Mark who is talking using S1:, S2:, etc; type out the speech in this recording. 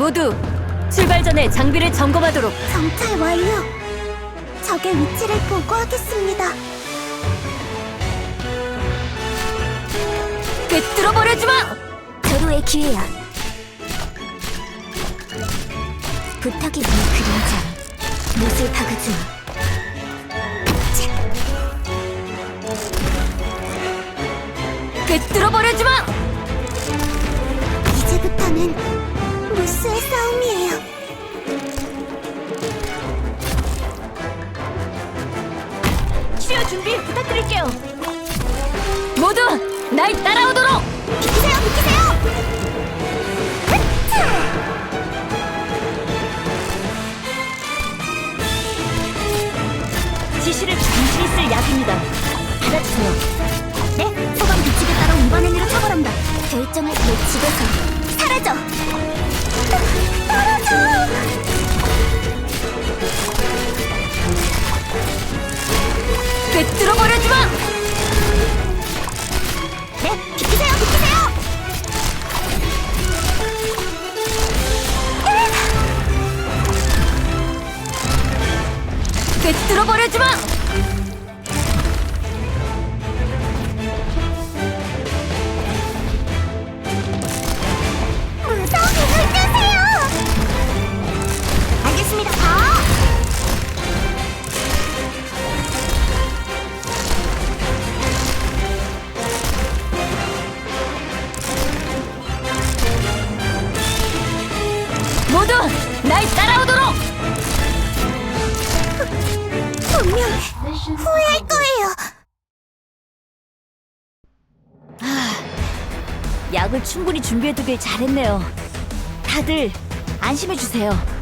S1: 모두 출발 전에 장비를 점검하도록.
S2: 정찰 완료. 적의 위치를 보고하겠습니다.
S1: 꿰뚫어버려주마!
S2: 절호의 기회야. 부탁이 네 그림자 못을 박아주마.
S1: 꿰뚫어버려주마!
S2: 이제부터는 무스의 싸움이에요.
S1: 치료 준비 부탁드릴게요. 모두 날 따라오도록!
S2: 비키세요, 비키세요!
S1: 지시를 당신이 쓸 약입니다. 받아주세요.
S2: 네, 소방 규칙에 따라 위반 행위로 처벌한다. 결정을 내 집에서 사라져! 떨어져!
S1: 꿰뚫어버려주마!
S2: 네, 비키세요, 비키세요!
S1: 꿰뚫어버려주마!
S2: 무서운 힘을 뜨세요! 알겠습니다.
S1: 모두 날 따라오도록!
S2: 분명 후회할 거예요.
S1: 약을 충분히 준비해두길 잘했네요. 다들 안심해주세요.